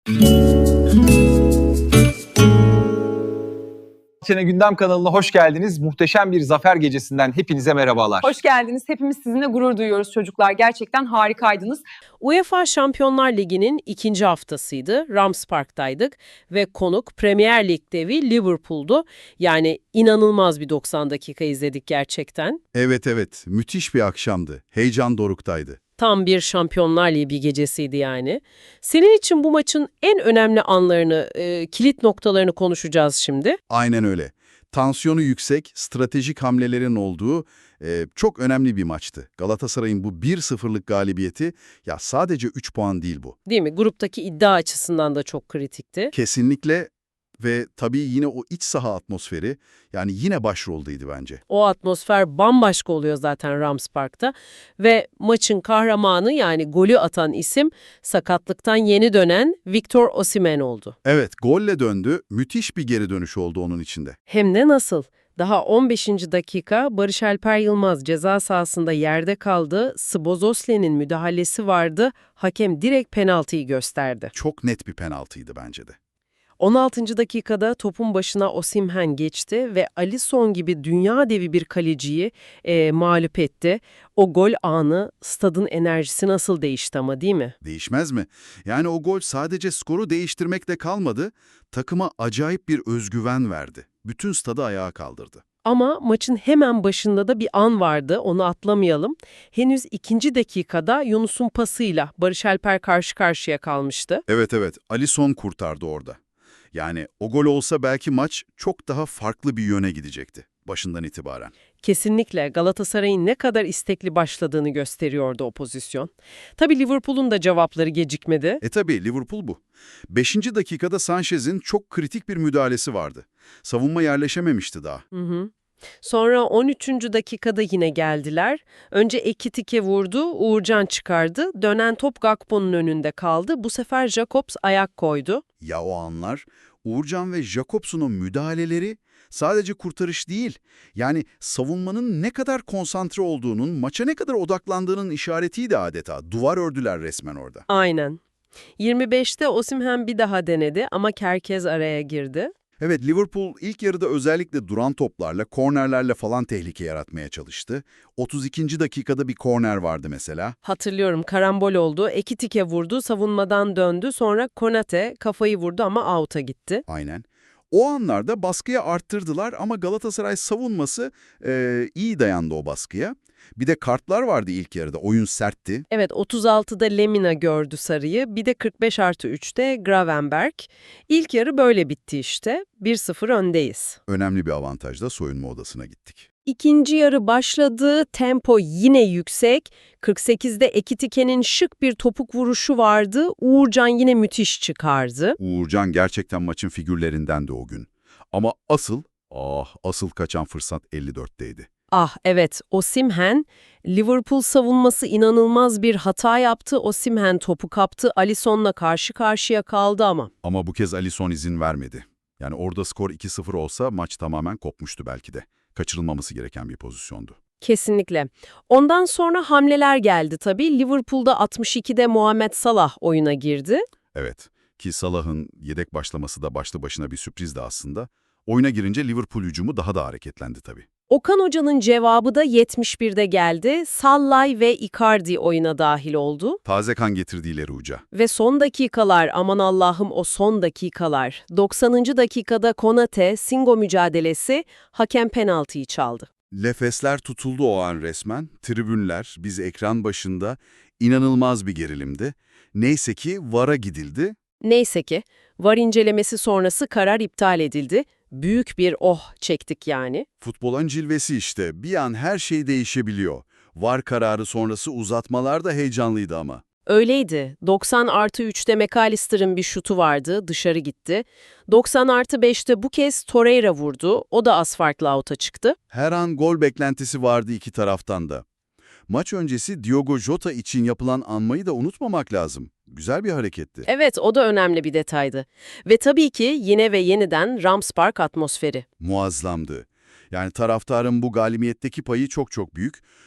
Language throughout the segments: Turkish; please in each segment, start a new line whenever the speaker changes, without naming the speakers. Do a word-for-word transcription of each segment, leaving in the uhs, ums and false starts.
Sene Gündem kanalına hoş geldiniz. Muhteşem bir zafer gecesinden hepinize merhabalar.
Hoş geldiniz. Hepimiz sizinle gurur duyuyoruz çocuklar. Gerçekten harikaydınız.
UEFA Şampiyonlar Ligi'nin ikinci haftasıydı. Rams Park'taydık ve konuk Premier Lig devi Liverpool'du. Yani inanılmaz bir doksan dakika izledik gerçekten.
Evet evet, müthiş bir akşamdı. Heyecan doruktaydı.
Tam bir Şampiyonlar Ligi gecesiydi yani. Senin için bu maçın en önemli anlarını, e, kilit noktalarını konuşacağız şimdi.
Aynen öyle. Tansiyonu yüksek, stratejik hamlelerin olduğu e, çok önemli bir maçtı. Galatasaray'ın bu bir sıfırlık galibiyeti, ya sadece üç puan değil bu.
Değil mi? Gruptaki iddia açısından da çok kritikti.
Kesinlikle ve tabii yine o iç saha atmosferi, yani yine başroldeydi bence.
O atmosfer bambaşka oluyor zaten Rams Park'ta ve maçın kahramanı yani golü atan isim sakatlıktan yeni dönen Victor Osimhen oldu.
Evet, golle döndü, müthiş bir geri dönüş oldu onun içinde.
Hem de nasıl? Daha on beşinci dakika Barış Alper Yılmaz ceza sahasında yerde kaldı, Szoboszlai'nin müdahalesi vardı, hakem direkt penaltıyı gösterdi.
Çok net bir penaltıydı bence de.
on altıncı dakikada topun başına Osimhen geçti ve Alisson gibi dünya devi bir kaleciyi e, mağlup etti. O gol anı stadın enerjisi nasıl değişti ama değil mi?
Değişmez mi? Yani o gol sadece skoru değiştirmekle kalmadı, takıma acayip bir özgüven verdi. Bütün stadı ayağa kaldırdı.
Ama maçın hemen başında da bir an vardı, onu atlamayalım. Henüz ikinci dakikada Yunus'un pasıyla Barış Alper karşı karşıya kalmıştı.
Evet evet, Alisson kurtardı orada. Yani o gol olsa belki maç çok daha farklı bir yöne gidecekti başından itibaren.
Kesinlikle Galatasaray'ın ne kadar istekli başladığını gösteriyordu o pozisyon. Tabii Liverpool'un da cevapları gecikmedi.
E tabii Liverpool bu. Beşinci dakikada Sanchez'in çok kritik bir müdahalesi vardı. Savunma yerleşememişti daha.
Hı hı. Sonra on üçüncü dakikada yine geldiler. Önce Ekitike vurdu, Uğurcan çıkardı. Dönen top Gakpo'nun önünde kaldı. Bu sefer Jakobs ayak koydu.
Ya o anlar, Uğurcan ve Jakobs'un o müdahaleleri sadece kurtarış değil, yani savunmanın ne kadar konsantre olduğunun, maça ne kadar odaklandığının işaretiydi adeta. Duvar ördüler resmen orada.
Aynen. yirmi beşte Osimhen bir daha denedi ama Kerkez araya girdi.
Evet, Liverpool ilk yarıda özellikle duran toplarla, kornerlerle falan tehlike yaratmaya çalıştı. otuz ikinci dakikada bir korner vardı mesela.
Hatırlıyorum, karambol oldu. Ekitike vurdu, savunmadan döndü. Sonra Konate kafayı vurdu ama out'a gitti.
Aynen. O anlarda baskıyı arttırdılar ama Galatasaray savunması e, iyi dayandı o baskıya. Bir de kartlar vardı ilk yarıda, oyun sertti.
Evet, otuz altıda Lemina gördü sarıyı. Bir de kırk beş artı üçte Gravenberg. İlk yarı böyle bitti işte. bir sıfır öndeyiz.
Önemli bir avantajla soyunma odasına gittik.
İkinci yarı başladı. Tempo yine yüksek. kırk sekizde Ekitike'nin şık bir topuk vuruşu vardı. Uğurcan yine müthiş çıkardı.
Uğurcan gerçekten maçın figürlerindendi o gün. Ama asıl, ah asıl kaçan fırsat elli dörtteydi.
Ah evet, Osimhen, Liverpool savunması inanılmaz bir hata yaptı. Osimhen topu kaptı, Alisson'la karşı karşıya kaldı ama.
Ama bu kez Alisson izin vermedi. Yani orada skor iki sıfır olsa maç tamamen kopmuştu belki de. Kaçırılmaması gereken bir pozisyondu.
Kesinlikle. Ondan sonra hamleler geldi tabii. Liverpool'da altmış ikide Muhammed Salah oyuna girdi.
Evet, ki Salah'ın yedek başlaması da başlı başına bir sürprizdi aslında. Oyuna girince Liverpool hücumu daha da hareketlendi tabii.
Okan Hoca'nın cevabı da yetmiş birde geldi. Sallay ve Icardi oyuna dahil oldu.
Taze kan getirdi ileri uca.
Ve son dakikalar, aman Allah'ım o son dakikalar. doksanıncı dakikada Konate, Singo mücadelesi, hakem penaltıyı çaldı.
Nefesler tutuldu o an resmen. Tribünler, biz ekran başında, inanılmaz bir gerilimdi. Neyse ki V A R'a gidildi.
Neyse ki V A R incelemesi sonrası karar iptal edildi. Büyük bir oh çektik yani.
Futbolun cilvesi işte. Bir an her şey değişebiliyor. V A R kararı sonrası uzatmalar da heyecanlıydı ama.
Öyleydi. doksan artı üçte McAllister'ın bir şutu vardı, dışarı gitti. doksan artı beşte bu kez Torreira vurdu, o da az farklı out'a çıktı.
Her an gol beklentisi vardı iki taraftan da. Maç öncesi Diogo Jota için yapılan anmayı da unutmamak lazım. Güzel bir hareketti.
Evet, o da önemli bir detaydı. Ve tabii ki yine ve yeniden Rams Park atmosferi.
Muazzamdı. Yani taraftarın bu galibiyetteki payı çok çok büyük.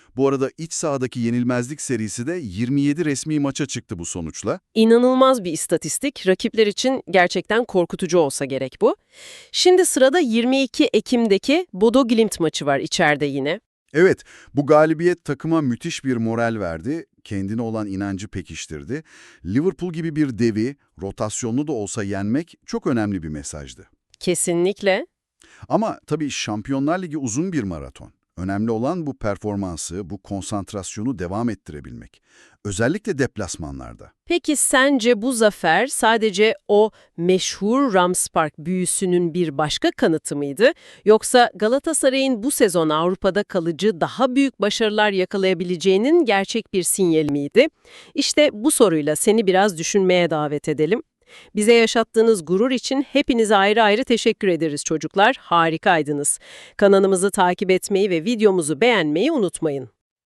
Bu arada iç sahadaki yenilmezlik serisi de yirmi yedi resmi maça çıktı bu sonuçla.
İnanılmaz bir istatistik. Rakipler için gerçekten korkutucu olsa gerek bu. Şimdi sırada yirmi iki Ekim'deki Bodo Glimt maçı var içeride yine.
Evet, bu galibiyet takıma müthiş bir moral verdi, kendine olan inancı pekiştirdi. Liverpool gibi bir devi, rotasyonlu da olsa yenmek çok önemli bir mesajdı.
Kesinlikle.
Ama tabii Şampiyonlar Ligi uzun bir maraton. Önemli olan bu performansı, bu konsantrasyonu devam ettirebilmek. Özellikle deplasmanlarda.
Peki sence bu zafer sadece o meşhur Rams Park büyüsünün bir başka kanıtı mıydı? Yoksa Galatasaray'ın bu sezon Avrupa'da kalıcı daha büyük başarılar yakalayabileceğinin gerçek bir sinyali miydi? İşte bu soruyla seni biraz düşünmeye davet edelim. Bize yaşattığınız gurur için hepinize ayrı ayrı teşekkür ederiz çocuklar. Harikaydınız. Kanalımızı takip etmeyi ve videomuzu beğenmeyi unutmayın.